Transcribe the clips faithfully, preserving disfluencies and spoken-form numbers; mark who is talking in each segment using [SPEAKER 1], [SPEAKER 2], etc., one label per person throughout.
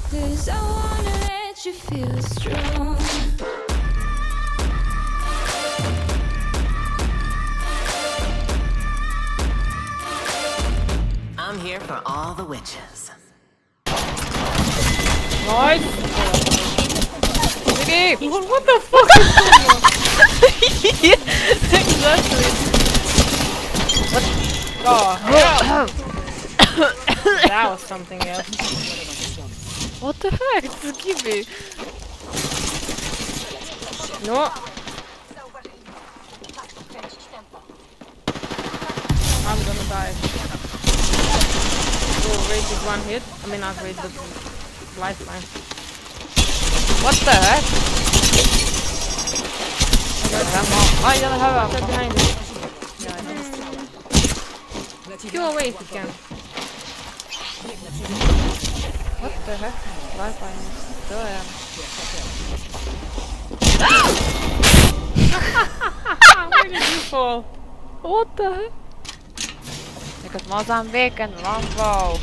[SPEAKER 1] 'Cause I wanna let you feel strong.
[SPEAKER 2] I'm here for all the witches.
[SPEAKER 3] Nice! What, what the fuck is going on?
[SPEAKER 4] Exactly.
[SPEAKER 3] Oh, hell. That was something else.
[SPEAKER 4] What the heck? Just give me.
[SPEAKER 3] No. I'm gonna die. Oh, wait, is one hit? I mean, not wait, but lifeline.
[SPEAKER 4] What the heck? Oh, I don't have
[SPEAKER 3] Step
[SPEAKER 4] a.
[SPEAKER 3] behind you.
[SPEAKER 4] Yeah, I know.
[SPEAKER 3] Kill away if you can.
[SPEAKER 4] What the heck? Lifeline is still am.
[SPEAKER 3] Where did you fall?
[SPEAKER 4] What the heck? Because Mozambique and Longbow.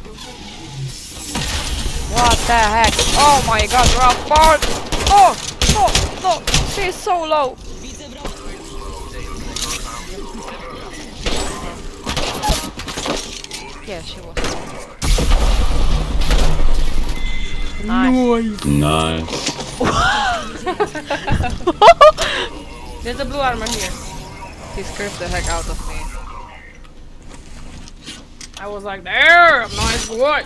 [SPEAKER 4] What the heck? Oh my god, we're on board! Oh! No! No! She's so low! Yeah, she was. Nice.
[SPEAKER 5] Nice.
[SPEAKER 3] There's a blue armor here.
[SPEAKER 4] He scared the heck out of me.
[SPEAKER 3] I was like, there! Nice work!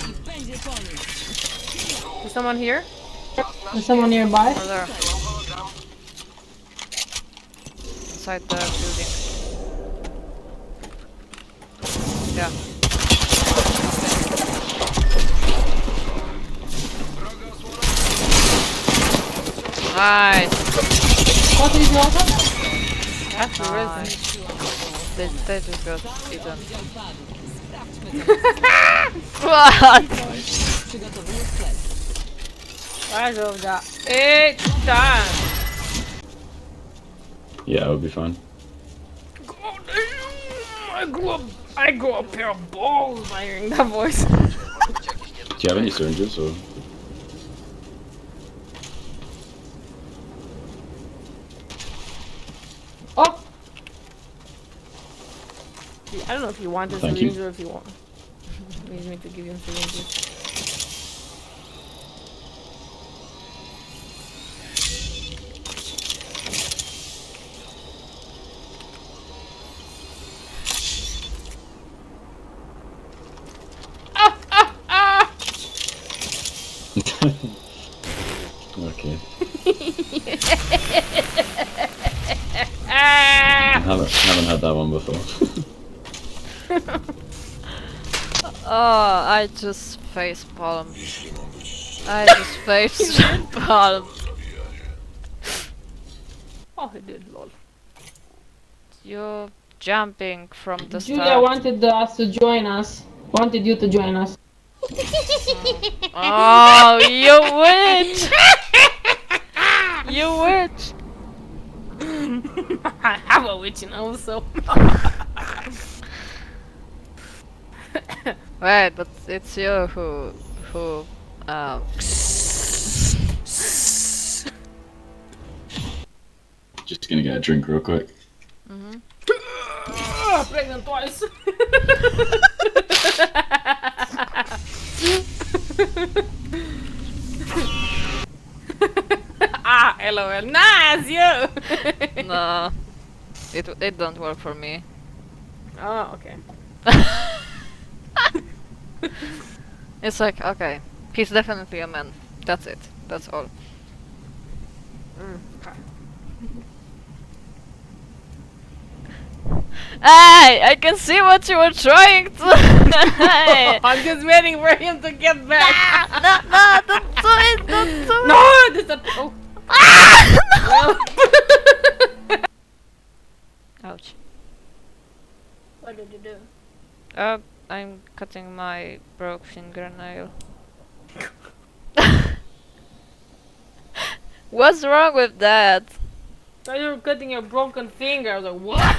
[SPEAKER 3] Is someone here?
[SPEAKER 6] Is someone nearby?
[SPEAKER 4] Over there. Inside the building. Yeah. Nice.
[SPEAKER 6] What is your weapon?
[SPEAKER 3] That's the reason.
[SPEAKER 4] Nice. They, they just got eaten. What?
[SPEAKER 3] I love that. Eight times.
[SPEAKER 5] Yeah, it would be fine.
[SPEAKER 3] God damn! I grew up. I grew a pair of balls by hearing that voice.
[SPEAKER 5] Do you have any syringes or?
[SPEAKER 3] Oh! I don't know if you want a
[SPEAKER 5] Thank you.
[SPEAKER 3] syringe or if you want. Needs me to give you syringes. Ah! Ah! Ah!
[SPEAKER 5] Okay.
[SPEAKER 3] Ah!
[SPEAKER 5] haven't haven't had that one before.
[SPEAKER 4] Oh, I just face palm. I just face palm.
[SPEAKER 3] Oh, he did, lol.
[SPEAKER 4] You're jumping from the
[SPEAKER 6] Julia
[SPEAKER 4] start.
[SPEAKER 6] wanted us to join us. Wanted you to join us.
[SPEAKER 4] Oh, you witch! You witch!
[SPEAKER 3] I have a witch, you know, so.
[SPEAKER 4] Wait, but it's you who who um
[SPEAKER 5] Just gonna get a drink real quick.
[SPEAKER 4] mhm.
[SPEAKER 3] Ah, pregnant twice. Ah, lol. Nice, you.
[SPEAKER 4] No, it it don't work for me.
[SPEAKER 3] Oh, okay.
[SPEAKER 4] It's like, okay, he's definitely a man. That's it. That's all.
[SPEAKER 3] Mm, okay.
[SPEAKER 4] Hey, I can see what you were trying to. Hey.
[SPEAKER 3] I'm just waiting for him to get back.
[SPEAKER 4] No, no, don't do it, don't do it.
[SPEAKER 3] No, this is a. Oh. Well.
[SPEAKER 4] Ouch.
[SPEAKER 3] What did you do?
[SPEAKER 4] Uh, I'm cutting my broke fingernail. What's wrong with that?
[SPEAKER 3] So you were cutting your broken finger. I was like, what?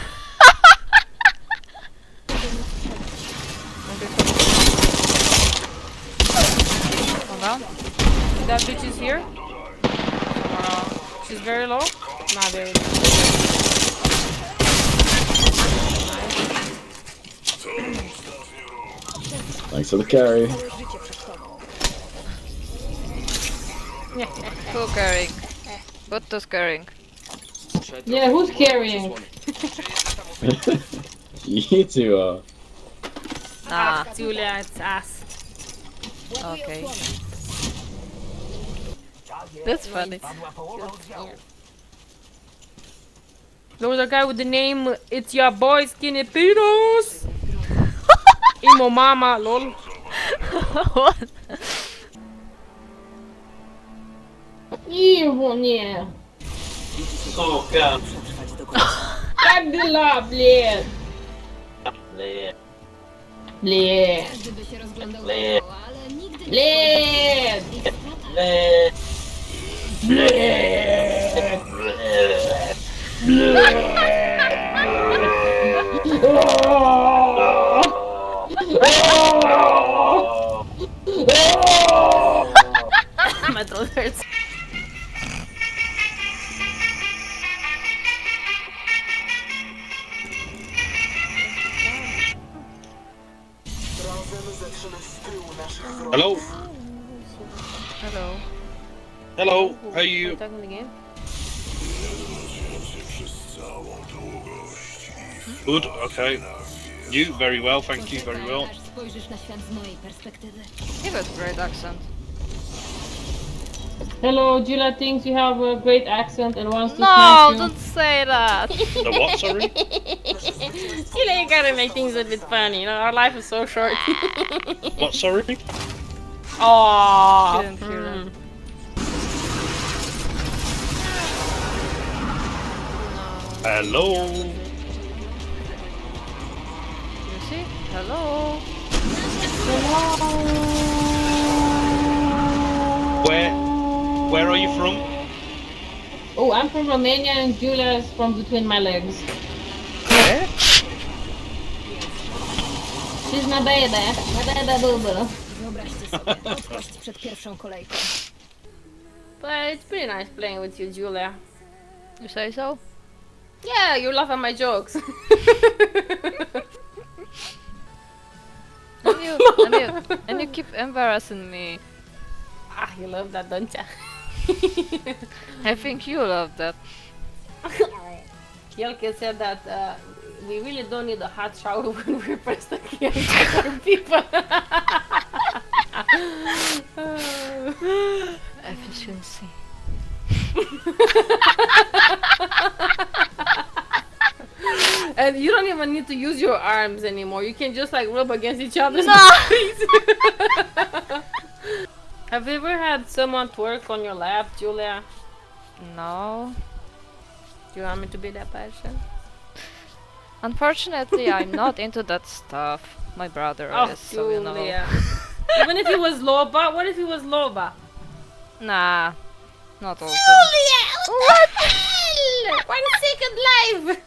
[SPEAKER 4] Oh Dobra.
[SPEAKER 3] That bitch is here. Uh, she's very low. Not very low.
[SPEAKER 5] Thanks for the carry.
[SPEAKER 4] Who carrying? Butto's carrying.
[SPEAKER 6] Yeah, who's carrying?
[SPEAKER 5] You two are.
[SPEAKER 4] Ah,
[SPEAKER 3] Julia, it's ass.
[SPEAKER 4] okay. That's funny.
[SPEAKER 3] There was a guy with the name It's Your Boy Skinny Pedos. Emo Mama, lol.
[SPEAKER 4] What?
[SPEAKER 6] Iwo, nie. Jak dyla, bled. Bled.
[SPEAKER 1] Gdyby się rozglądał dookoła, ale nigdy nie
[SPEAKER 6] Bled.
[SPEAKER 3] My throat hurts.
[SPEAKER 7] Hello?
[SPEAKER 4] Hello.
[SPEAKER 7] Hello, how are you?
[SPEAKER 3] Talking in the game.
[SPEAKER 7] Good, okay. You, very well, thank you, very well.
[SPEAKER 1] aż spojrzysz na świat z mojej perspektywy.
[SPEAKER 4] Give it great accent.
[SPEAKER 6] Hello, Julia thinks you have a great accent and wants to
[SPEAKER 4] No,
[SPEAKER 6] smack you.
[SPEAKER 4] don't say that.
[SPEAKER 7] The what, sorry?
[SPEAKER 3] Julia, you gotta make things a bit funny. You know, our life is so short.
[SPEAKER 7] What, sorry?
[SPEAKER 3] Aww.
[SPEAKER 4] Didn't hear that.
[SPEAKER 7] Hello?
[SPEAKER 4] You see? Hello.
[SPEAKER 7] Where, where are you from?
[SPEAKER 6] Oh, I'm from Romania and Julia is from between my legs. She's my baby. My baby boo.
[SPEAKER 1] Wyobraźcie sobie, odpaść przed pierwszą kolejką.
[SPEAKER 3] But it's pretty nice playing with you, Julia.
[SPEAKER 4] You say so?
[SPEAKER 3] Yeah, you laugh at my jokes.
[SPEAKER 4] And you, and you, and you keep embarrassing me.
[SPEAKER 3] Ah, you love that, don't ya?
[SPEAKER 4] I think you love that.
[SPEAKER 3] Kielke said that uh, we really don't need a hot shower when we press the key for people.
[SPEAKER 4] Efficiency.
[SPEAKER 3] And you don't even need to use your arms anymore. You can just like rub against each other's
[SPEAKER 4] No.
[SPEAKER 3] bodies. Have you ever had someone twerk on your lap, Julia?
[SPEAKER 4] No.
[SPEAKER 3] Do you want me to be that person?
[SPEAKER 4] Unfortunately, I'm not into that stuff. My brother
[SPEAKER 3] Oh,
[SPEAKER 4] is, so you know.
[SPEAKER 3] Julia. Even if he was Loba, what if he was Loba?
[SPEAKER 4] Nah, not also.
[SPEAKER 3] Julia, what the hell? One second live.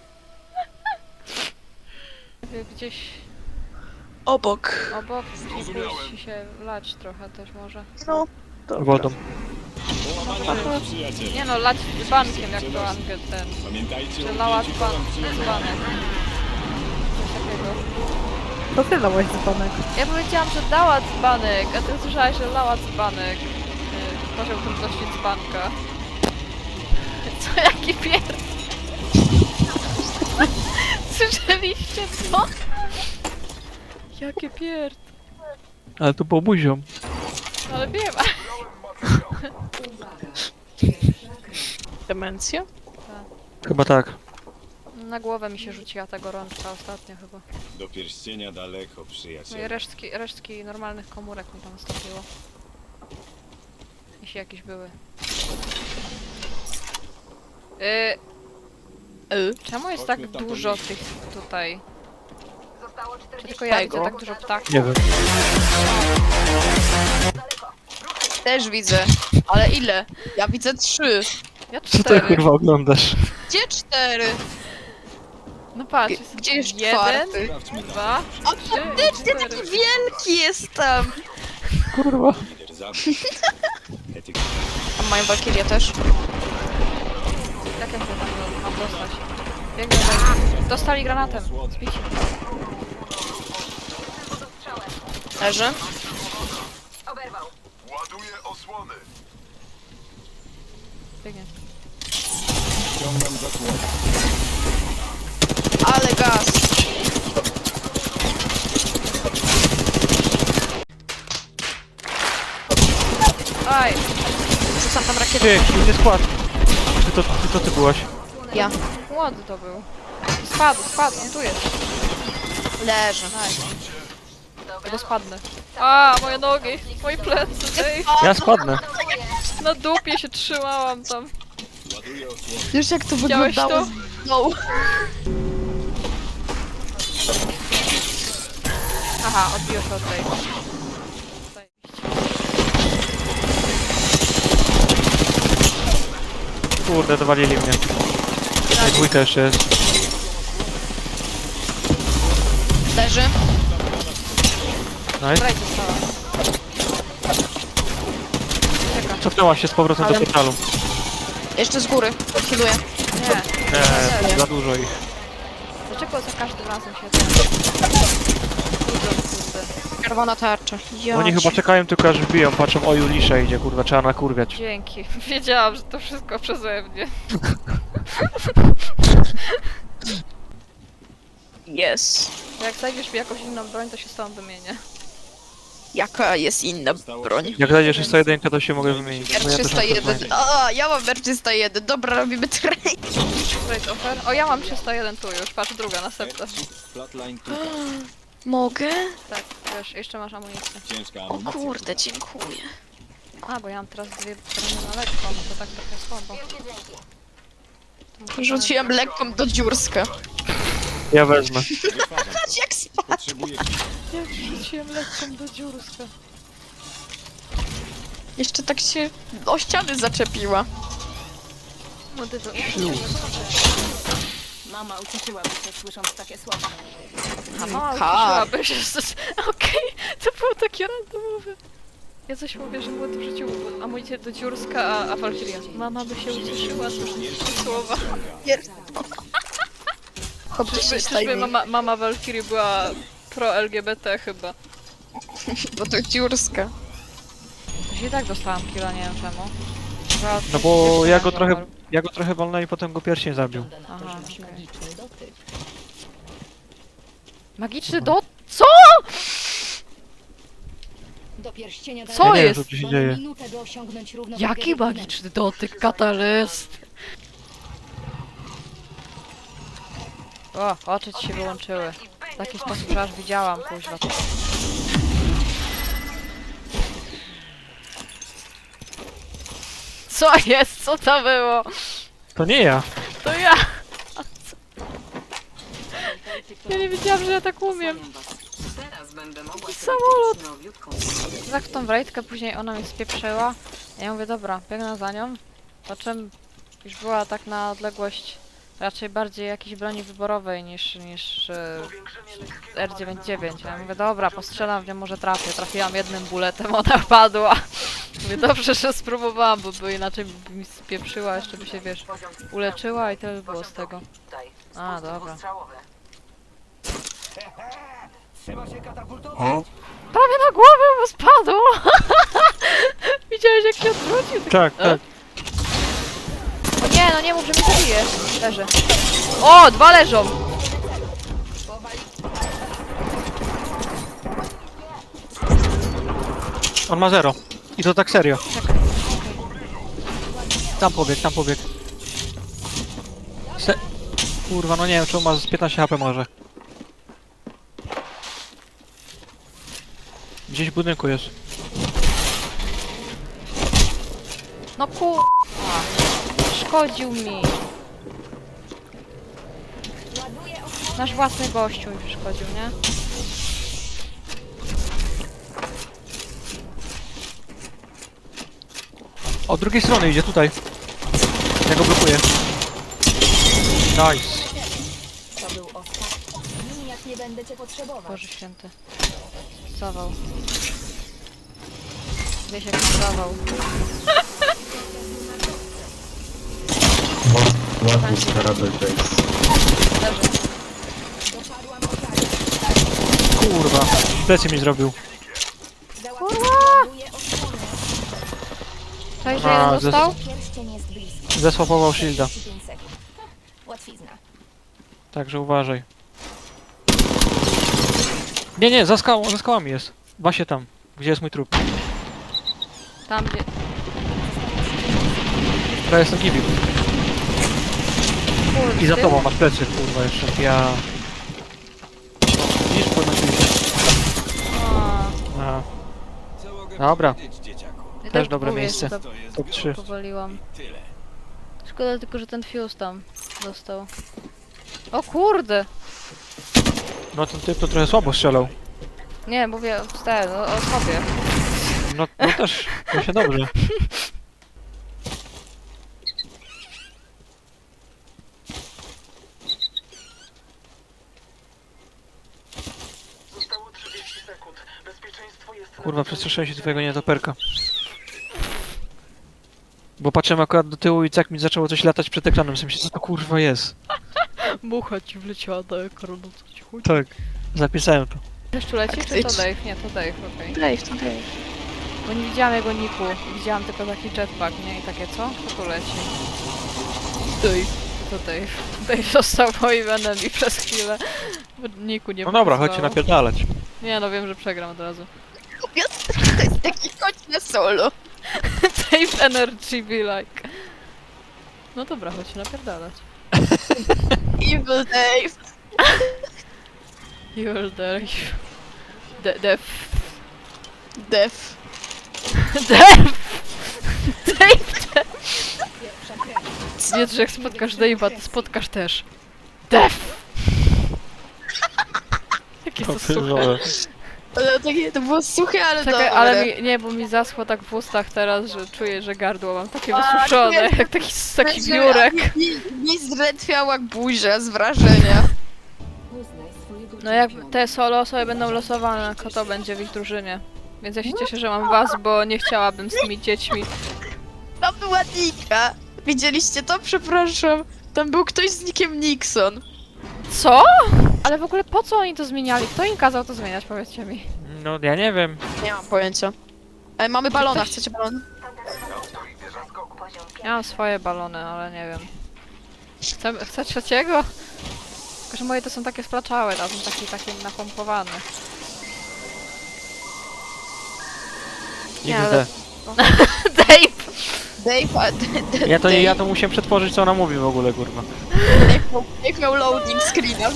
[SPEAKER 4] Gdzieś
[SPEAKER 8] Obok.
[SPEAKER 4] obok pójść się lać trochę też może.
[SPEAKER 8] No.
[SPEAKER 9] Wodą.
[SPEAKER 4] Nie no, lać dzbankiem jak to Angel ten. Czy lała dzban, dzbanek. Coś takiego.
[SPEAKER 8] To ty dałeś dzbanek.
[SPEAKER 4] Ja powiedziałam, że dała dzbanek, a ty słyszałaś, że lała dzbanek. Yy, Poziom trudności dzbanka. Co, jaki pierd... Słyszeliście to? Jakie pierd...
[SPEAKER 9] Ale to było buzią.
[SPEAKER 4] Ale wiem.
[SPEAKER 8] Demencja?
[SPEAKER 9] Chyba tak.
[SPEAKER 4] Na głowę mi się rzuciła ta gorączka ostatnio chyba.
[SPEAKER 10] Do pierścienia daleko,
[SPEAKER 4] No i
[SPEAKER 10] przyjaciele.
[SPEAKER 4] resztki, resztki normalnych komórek mi tam stopiło. Jeśli jakieś były. Yy,
[SPEAKER 8] Y?
[SPEAKER 4] czemu jest tak dużo tych tutaj? Czy tylko ja widzę
[SPEAKER 8] Tego.
[SPEAKER 4] tak dużo ptaków?
[SPEAKER 9] Nie wiem.
[SPEAKER 8] Też widzę. Ale ile? Ja widzę trzy.
[SPEAKER 4] Ja
[SPEAKER 9] Co ty
[SPEAKER 4] cztery.
[SPEAKER 9] kurwa oglądasz?
[SPEAKER 8] Gdzie cztery?
[SPEAKER 4] No patrz,
[SPEAKER 8] G-
[SPEAKER 4] jest
[SPEAKER 8] Gdzie jest
[SPEAKER 4] jeden,
[SPEAKER 8] czwarty?
[SPEAKER 4] dwa,
[SPEAKER 8] A
[SPEAKER 4] trzy i
[SPEAKER 8] faktycznie
[SPEAKER 4] cztery.
[SPEAKER 8] taki wielki jest tam.
[SPEAKER 9] Kurwa.
[SPEAKER 10] Zabić. Etyka.
[SPEAKER 8] A mają Walkirię też.
[SPEAKER 4] Jak ja się tam mam dostać? Biegnę do... Dostali granatem. Zbici.
[SPEAKER 8] Leży.
[SPEAKER 4] Biegnie.
[SPEAKER 10] Ściągam zasłonę.
[SPEAKER 8] Ale gaz.
[SPEAKER 4] Aj!
[SPEAKER 8] Rzucam tam rakietę.
[SPEAKER 9] Ty, silny skład. Ty to, ty to ty byłaś.
[SPEAKER 8] Ja.
[SPEAKER 4] Młody to był. Spadł, spadł, on tu jest.
[SPEAKER 8] Leży.
[SPEAKER 4] Nice. Tego spadnę. A, moje nogi, moje plecy, ej.
[SPEAKER 9] Ja spadnę.
[SPEAKER 4] Na dupie się trzymałam tam.
[SPEAKER 8] Wiesz jak to
[SPEAKER 4] Widziałeś
[SPEAKER 8] wyglądało?
[SPEAKER 4] to?
[SPEAKER 8] No.
[SPEAKER 4] Aha, odbiło się od tej.
[SPEAKER 9] Kurde, dowalili mnie. Ej, dwójka jeszcze jest.
[SPEAKER 8] Leży.
[SPEAKER 9] Nice.
[SPEAKER 4] Braj została. Czeka.
[SPEAKER 9] Cofnęła się z powrotem do
[SPEAKER 8] Ale-
[SPEAKER 9] portalu.
[SPEAKER 8] Jeszcze z góry. Healuję.
[SPEAKER 4] Nie.
[SPEAKER 9] Nie, za dużo ich.
[SPEAKER 4] Dlaczego za każdym razem się ten... Budzą, kurde.
[SPEAKER 8] Czerwona tarcza. Ja
[SPEAKER 9] Oni chyba
[SPEAKER 8] cię-
[SPEAKER 9] czekają tylko aż wbiją, patrzą, o Julisza idzie, kurwa, trzeba nakurwiać.
[SPEAKER 4] Dzięki. Wiedziałam, że to wszystko przeze mnie.
[SPEAKER 8] Yes.
[SPEAKER 4] Jak znajdziesz mi jakąś inną broń, to się z tobą wymienię.
[SPEAKER 8] Jaka jest inna broń?
[SPEAKER 9] Jak znajdziesz jeszcze jedynkę, to się mogę wymienić. bo
[SPEAKER 8] R
[SPEAKER 9] ja też mam
[SPEAKER 8] trzysta jeden.
[SPEAKER 9] to
[SPEAKER 8] A, ja mam R trzysta jeden. Dobra, robimy trade.
[SPEAKER 4] Trade offer. O, ja mam trzysta jeden tu już. Patrz, druga, następna.
[SPEAKER 10] Flatline tutaj.
[SPEAKER 8] Mogę?
[SPEAKER 4] Tak, wiesz, jeszcze masz amunicję.
[SPEAKER 10] Ciężka
[SPEAKER 8] O
[SPEAKER 10] amunicja.
[SPEAKER 8] kurde, dziękuję.
[SPEAKER 4] A, bo ja mam teraz dwie broni na lekko, no to tak trochę słabo. To muszę
[SPEAKER 8] Rzuciłem lekką do dziurska.
[SPEAKER 9] Ja wezmę.
[SPEAKER 10] Wypadam.
[SPEAKER 8] Jak spadł.
[SPEAKER 10] Potrzebuję
[SPEAKER 4] Jak rzuciłem lekką do dziurska.
[SPEAKER 8] Jeszcze tak się o ściany zaczepiła.
[SPEAKER 4] Młody to...
[SPEAKER 2] Mama ucieszyłaby się słysząc takie słowa.
[SPEAKER 4] A,
[SPEAKER 8] Ha.
[SPEAKER 4] ucieszyłaby się, że... Okej, to było takie randomowe. Ja coś mówię, że młody wrzucił amunicję do dziurska, a, a Valkyria. Mama by się ucieszyła, słysząc takie słowa.
[SPEAKER 8] Hobby się
[SPEAKER 4] Czyżby, czyżby
[SPEAKER 8] stajnie,
[SPEAKER 4] mama, mama Valkyrie była pro-L G B T chyba.
[SPEAKER 8] bo to dziurska.
[SPEAKER 4] To się i tak dostałam killa, nie wiem czemu. Chyba
[SPEAKER 9] No
[SPEAKER 4] coś
[SPEAKER 9] bo
[SPEAKER 4] jeszcze
[SPEAKER 9] ja
[SPEAKER 4] nie
[SPEAKER 9] go
[SPEAKER 4] było.
[SPEAKER 9] trochę, ja go trochę walnąłem i potem go pierścień zabił.
[SPEAKER 4] Aha, okej. Magiczny dot? Co?
[SPEAKER 11] Do pierścienia
[SPEAKER 4] Co
[SPEAKER 9] Ja nie wiem,
[SPEAKER 4] jest?
[SPEAKER 9] co tu się dzieje.
[SPEAKER 11] minutę, by osiągnąć równowagę
[SPEAKER 4] Jaki
[SPEAKER 11] wewnętrzną.
[SPEAKER 4] magiczny dotyk, katalyst? O, oczy ci się wyłączyły. W taki sposób, że aż widziałam, kuźwa. Co jest? Co to było?
[SPEAKER 9] To nie ja.
[SPEAKER 4] To ja! A co? Ja nie wiedziałam, że ja tak umiem.
[SPEAKER 2] Teraz będę mogła
[SPEAKER 4] Samolot!
[SPEAKER 2] nowiutką.
[SPEAKER 4] Tak w tą wrejtkę, później ona mnie spieprzyła. Ja mówię, dobra, biegnę za nią. Po czym już była tak na odległość raczej bardziej jakiejś broni wyborowej niż, niż e, R dziewięćdziesiąt dziewięć. Ja mówię, dobra, postrzelam w nią, może trafię. Trafiłam jednym buletem, ona padła. Mówię, dobrze, że spróbowałam, bo by inaczej by mi spieprzyła, jeszcze by się, wiesz, uleczyła i tyle by było z tego. A, dobra. Prawie na głowę mu spadł! Widziałeś jak się odwrócił?
[SPEAKER 9] Tak, tak.
[SPEAKER 4] O nie, no nie mów, że mnie zabije. Leży. O, dwa leżą!
[SPEAKER 9] On ma zero. I to tak serio. Tam pobieg, tam pobieg. Se... Kurwa, no nie wiem, czy on ma z piętnaście H P może. Gdzieś w budynku jest.
[SPEAKER 4] No ku... Szkodził mi. Nasz własny gościu mi przeszkodził, nie?
[SPEAKER 9] Od drugiej strony idzie, tutaj. Ja go blokuję. Nice.
[SPEAKER 11] To był ostatni. Miniak nie będę cię potrzebować.
[SPEAKER 4] Boże święty. Zawał. Wiesz jak się dawał.
[SPEAKER 5] What is terrible face?
[SPEAKER 4] Leży.
[SPEAKER 9] Kurwa, plecy mi zrobił.
[SPEAKER 4] Cześć, że
[SPEAKER 9] A,
[SPEAKER 4] jeden został?
[SPEAKER 11] Pierścień jest blisko.
[SPEAKER 9] Zesłapował shielda.
[SPEAKER 11] trzydzieści pięć sekund. Łatwizna.
[SPEAKER 9] Także uważaj. Nie, nie, za skałą, za skałami jest. Właśnie tam, gdzie jest mój trup.
[SPEAKER 4] Tam gdzie...
[SPEAKER 9] Teraz jestem gibił.
[SPEAKER 4] Kurde,
[SPEAKER 9] I za
[SPEAKER 4] ty?
[SPEAKER 9] tobą masz plecy, kurwa, jeszcze. Ja... Widzisz, podnosili się. A. Dobra,
[SPEAKER 4] Ja
[SPEAKER 9] też
[SPEAKER 4] tak
[SPEAKER 9] dobre
[SPEAKER 4] mówię,
[SPEAKER 9] miejsce.
[SPEAKER 4] że to
[SPEAKER 9] top trzy.
[SPEAKER 4] Powaliłam. Szkoda tylko, że ten fuse tam został. O kurde!
[SPEAKER 9] No ten typ to trochę słabo strzelał.
[SPEAKER 4] Nie, mówię o, ten, o, o sobie.
[SPEAKER 9] No, no też, to się dobrze. Kurwa, przestraszyłem się twojego nietoperka. Bo patrzyłem akurat do tyłu i tak mi zaczęło coś latać przed ekranem, w myślę, co to kurwa jest.
[SPEAKER 4] Mucha ci wleciała do ekranu, co ci chodzi?
[SPEAKER 9] Tak, zapisałem to.
[SPEAKER 4] Deszczu leci, czy to Dave? Nie, to Dave, okej.
[SPEAKER 8] Dave, to Dave.
[SPEAKER 4] Bo nie widziałam jego niku, widziałam tylko taki jetpack, nie? I takie, co? Kto tu leci? Dave. To Dave. Dave został moim enemy przez chwilę. Bo niku nie
[SPEAKER 9] No dobra,
[SPEAKER 4] pokazywało.
[SPEAKER 9] chodźcie napierdalać.
[SPEAKER 4] Nie, no wiem, że przegram od razu.
[SPEAKER 8] To jest taki chodź na solo.
[SPEAKER 4] Dave energy be like. No dobra, chodź napierdalać.
[SPEAKER 8] Evil Dave.
[SPEAKER 4] You're Dave. De Def.
[SPEAKER 8] Def.
[SPEAKER 4] Dave! Dave! Nie, że jak spotkasz Dave'a, to spotkasz też. Def! Jakie to suche.
[SPEAKER 8] Ale takie, to było suche, ale
[SPEAKER 4] Czekaj,
[SPEAKER 8] dobre.
[SPEAKER 4] ale mi, nie, bo mi zaschło tak w ustach teraz, że czuję, że gardło mam takie
[SPEAKER 8] A,
[SPEAKER 4] wysuszone,
[SPEAKER 8] nie.
[SPEAKER 4] jak taki, taki biurek.
[SPEAKER 8] Mi, mi zdrętwiała buzia z wrażenia.
[SPEAKER 4] No jak te solo osoby będą losowane, kto będzie w ich drużynie. Więc ja się cieszę, że mam was, bo nie chciałabym z tymi dziećmi.
[SPEAKER 8] Tam była Nika. Widzieliście to? Przepraszam. Tam był ktoś z nickiem Nixon.
[SPEAKER 4] Co? Ale w ogóle po co oni to zmieniali? Kto im kazał to zmieniać, powiedzcie mi.
[SPEAKER 9] No ja nie wiem.
[SPEAKER 8] Nie mam pojęcia. Ale mamy balona,
[SPEAKER 4] ktoś-
[SPEAKER 8] chcecie balon?
[SPEAKER 4] Ja mam swoje balony, ale nie wiem. Chcę, chcę trzeciego? Tylko, że moje to są takie splaczałe, a są takie, takie napompowane. Nie, ale-
[SPEAKER 9] X D.
[SPEAKER 4] Dave!
[SPEAKER 8] Dave, a, d, d,
[SPEAKER 9] Ja to,
[SPEAKER 8] Dave,
[SPEAKER 9] ja to musiałem przetworzyć, co ona mówi w ogóle, kurwa.
[SPEAKER 8] Dave, miał, Dave miał loading screena.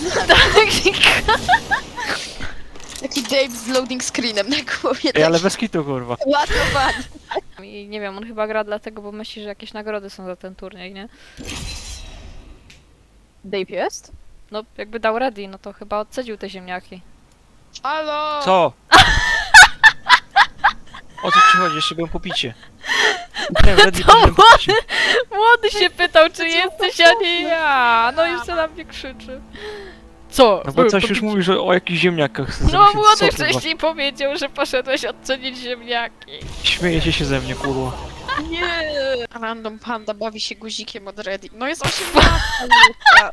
[SPEAKER 8] Taki Dave z loading screenem na głowie.
[SPEAKER 9] Ej, ale
[SPEAKER 8] taki
[SPEAKER 9] bez kitu, kurwa.
[SPEAKER 8] ładowany.
[SPEAKER 4] I nie wiem, on chyba gra dlatego, bo myśli, że jakieś nagrody są za ten turniej, nie?
[SPEAKER 8] Dave jest?
[SPEAKER 4] No, jakby dał ready, no to chyba odcedził te ziemniaki.
[SPEAKER 8] Halo!
[SPEAKER 9] Co? O co ci chodzi? Jeszcze byłem po picie. Nie, ready,
[SPEAKER 4] To
[SPEAKER 9] byłem po picie.
[SPEAKER 4] Młody się pytał, czy jesteś, a nie ja! No już na mnie krzyczy. Co?
[SPEAKER 9] No bo coś już mówisz o, o jakichś ziemniakach.
[SPEAKER 4] No
[SPEAKER 9] Zamyśl-
[SPEAKER 4] młody
[SPEAKER 9] co, kurwa?
[SPEAKER 4] wcześniej powiedział, że poszedłeś odcenić ziemniaki.
[SPEAKER 9] Śmiejecie się ze mnie, kurwa.
[SPEAKER 8] Nie! Random Panda bawi się guzikiem od Ready. No jest osiemnastka.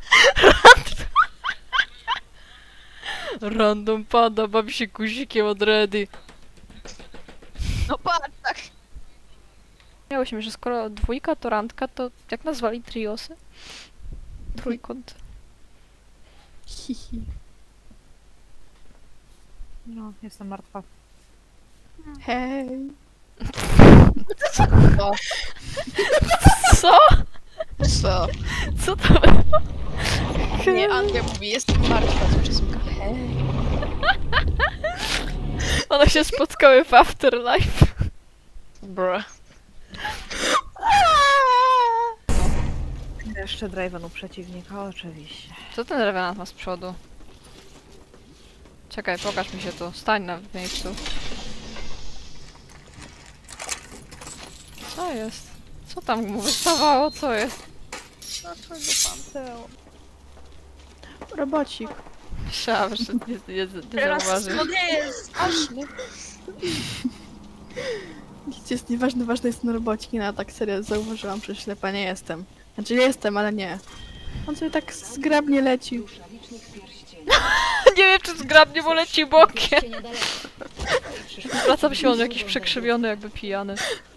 [SPEAKER 4] Random pada, bawi się guzikiem od ready.
[SPEAKER 8] No patrz, tak.
[SPEAKER 4] Miałyśmy, że skoro dwójka to randka, to jak nazwali triosy? Trójkąt.
[SPEAKER 3] No, jestem martwa.
[SPEAKER 8] Hej.
[SPEAKER 4] Co?
[SPEAKER 8] Co?
[SPEAKER 4] Co to było?
[SPEAKER 8] Nie, Andrea mówi, jestem martwa, z przesłanka. Hej.
[SPEAKER 4] One się spotkały w Afterlife.
[SPEAKER 8] Bruh.
[SPEAKER 3] Jeszcze Draven u przeciwnika, oczywiście.
[SPEAKER 4] Co ten Revenant ma z przodu? Czekaj, pokaż mi się tu. Stań na miejscu. Co jest? Co tam mu wystawało? Co jest?
[SPEAKER 3] Dlaczego Panteon? Robocik.
[SPEAKER 4] Myślałam, że nie, nie, nie zauważysz.
[SPEAKER 8] nie jest straszny. Nic jest nieważne, ważne jest na robocie, no a tak serio zauważyłam, że ślepa nie jestem. Znaczy jestem, ale nie. On sobie tak zgrabnie leci.
[SPEAKER 4] Nie wiem, czy zgrabnie, bo leci bokiem. Wracam się, on jakiś przekrzywiony, jakby pijany.